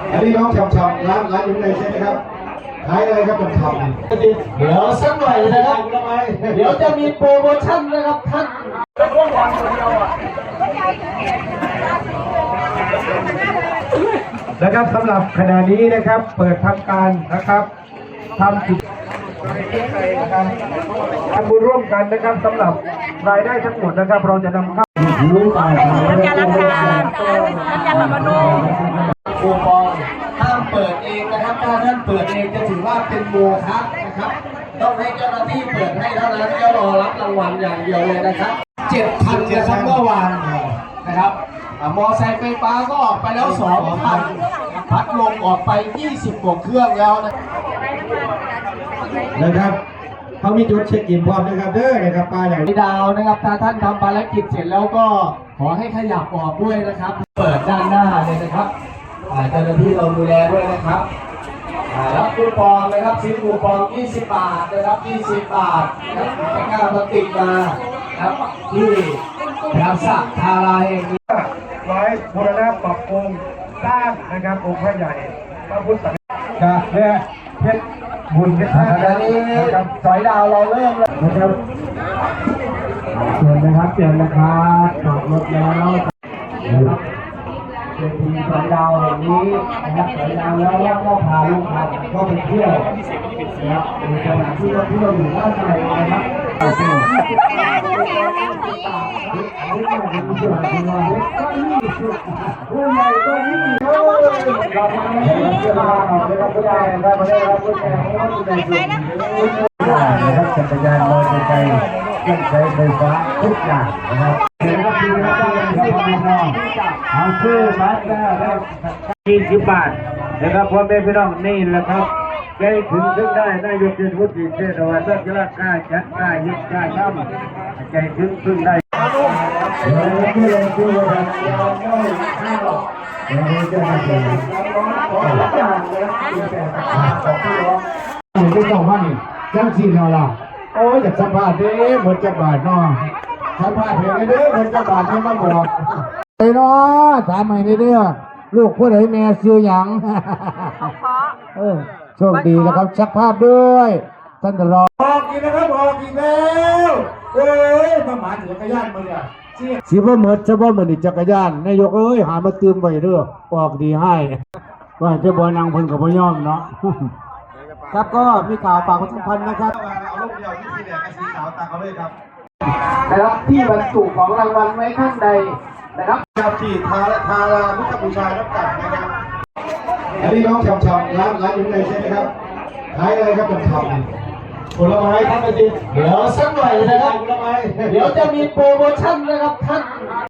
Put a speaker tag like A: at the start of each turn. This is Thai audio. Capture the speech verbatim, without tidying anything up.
A: อันนี้น้องชำชำร้านร้านอยู่ในใช่ไหมครับขายอะไรครับชำชำ
B: เดี๋ยวสักหน่อยนะครับเดี๋ยวจะมีโปรโมชั่นนะครับท่าน
A: นะครับสำหรับขณะนี้นะครับเปิดทำการนะครับทำกิจทำบุญร่วมกันนะครับสำหรับรายได้ทั้งหมดนะครับเราจะนำเข้ารู้ไป
C: น้ำยาล้างจานน้ำยาปรับผ้านุ่ม
B: คูปองห้ามเปิดเองนะครับถ้าท่านเปิดเองจะถือว่าเป็นโมฆะนะครับต้องให้เจ้าหน้าที่เปิดให้เท่านั้นก็รอรับรางวัลอย่างเดียวเลยนะครับเจ็ดพันนะครับเมื่อวานนะครับมอไซค์ไฟฟ้าก็ออกไปแล้วสองพันพัดลมออกไปยี่สิบกว่าเครื่องแล้วนะ
A: นะครับเขามีจุดเช็คอินพร้อมนะครับเด้อนะครับปลาใหญ่
B: ดาวนะครับถ้าท่านทำภารกิจเสร็จแล้วก็ขอให้ขยับออกด้วยนะครับเปิดด้านหน้าเลยนะครับเจ้าหน้าที่เราดูแลด้วยนะครับรับคูปองนะครับซื้อคูปองยี่สิบบาทนะครับยี่สิบบาทนะครับไม่กล้ามาติดมาครับที่รักษาทาราเอง
A: ร้อยบูรณะปรับปรุงสร้างนะครับองค์พระใหญ่พระพุทธจะเนี่ยเพชรบุญเพชรท่านี้
B: นะครับสอยดาวเราเริ่มแล้ว
A: นะครับเชิญนะครับเชิญนะครับจอดรถแล้ว
B: เป็นทีมสอยดาวแห่งนี้นะครับสอยดาวแล้วก็พาลูกพาก็ไปเที่ยวนะครับในขณะที่เราที่เราอยู่ด้านในนะครับผู้ใหญ่ก็ยิ่งเราไม่ได้เชื่อมาเราไม่ได้ผู้ใหญ่ได้มาได้รับผู้ใหญ่
A: นะครับจักรยานมอเตอร์ไซค์เครื่องใช้ไฟฟ้าทุกอย่างนะครับเห็นว่าคือพระเจ้าเป็นพระพี่น้องเอาซื้อมาได้ได้ยี่สิบบาทนะครับพ่อแม่พี่น้องนี่แหละครับใจถึงถึงได้ได้ยกเงินพุทธิเทศวาสกล้ากล้าจัดกล้ายึดกล้าทำใจถึงถึงได้เดี๋ยวที่เราคุยกันเราไม่ห้ามหรอกเดี๋ยวเราจะมาเจอขอรับงานเลยขอบคุณครับไม่ต้องมานี่จังสีเราล่ะโอ้ยอยากสัมภาษณ์ดิหมดจักบาทเนาะสัมภาษณ์เห็นไงเด้อหมดจักบาทที่มาบอก
D: ไอ้เนาะถามใหม่เด้อลูกผู้ใดแม่ซื้อหยังเออโชคดีนะครับชักภาพด้วยท่านจะรอ
A: ออกอีกนะครับออกอีกแล้วเอ้ยมาหมาจักรยานมาเนี่ย
D: สิบ่เหมือนจะบ่เหมือนจักรยานนายกเอ้ยหามาตืมไว้เด้อออกดีให้ว่าจะบ่นางเพิ่นก็บ่ยอมเนาะครับก็มีข่าวฝากประชาสัมพันธ์นะครับ
A: เอาลูกเดียวที่สีแดงกับสีขาวตามเขาเลยครับ
B: นะครับที่บรรจุของรางวัลไว้ข้างในนะครับ
A: ครับที่ทาทารามุขบูชารับกันนะครับอันนี้น้องชำชำร้านร้านอยู่ในใช่ไหมครับขายอะไรครับชำชำผลไม้ท่านไปดิ
B: เดี๋ยวสักหน่อยนะครับเดี๋ยวจะมีโปรโมชั่นนะครับท่าน